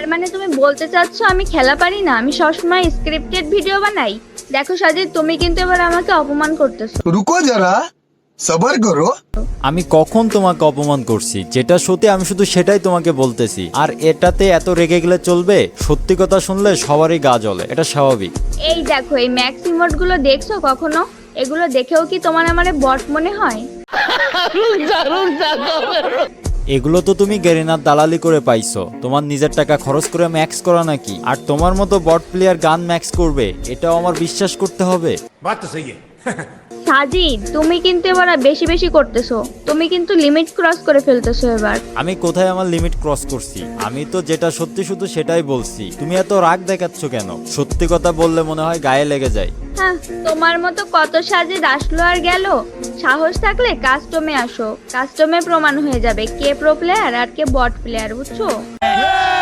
তার মানে তুমি বলতে চাচ্ছ আমি খেলা পারি না, আমি সবসময় স্ক্রিপ্টেড ভিডিও বানাই? দেখো সাজিদ, তুমি কিন্তু এবার আমাকে অপমান করতেছো। रुको जरा सबर करो। আমি কখন তোমাকে অপমান করছি? যেটা সত্যি আমি শুধু সেটাই তোমাকে বলতেছি। আর এটাতে এত রেগে গেলে চলবে? সত্যি কথা শুনলে সবারই গা জ্বলে, এটা স্বাভাবিক। এই দেখো, এই ম্যাক্স ইমোট গুলো দেখছো কখনো? এগুলো দেখেও কি তোমার আমারে বট মনে হয়? এগুলো তো তুমি গেরিনার দালালি করে পাইছো, তোমার নিজের টাকা খরচ করে ম্যাক্স করা নাকি? আর তোমার মতো বট প্লেয়ার গান ম্যাক্স করবে এটাও আমার বিশ্বাস করতে হবে? बात तो सही है। সাজিদ, তুমি কিন্তু এবার বেশি বেশি করতেছো, তুমি কিন্তু লিমিট ক্রস করে ফেলতেছো এবার। আমি কোথায় আমার লিমিট ক্রস করছি? আমি তো যেটা সত্যি শুধু সেটাই বলছি। তুমি এত রাগ দেখাচ্ছ কেন? সত্যি কথা বললে মনে হয় গায়ে লেগে যায়। হ্যাঁ, তোমার মতো কত সাজিদ আসলো আর গেল। সাহস থাকলে কাস্টমে আসো, কাস্টমে প্রমাণ হয়ে যাবে কে প্রো প্লেয়ার আর কে বট প্লেয়ার, বুঝছো?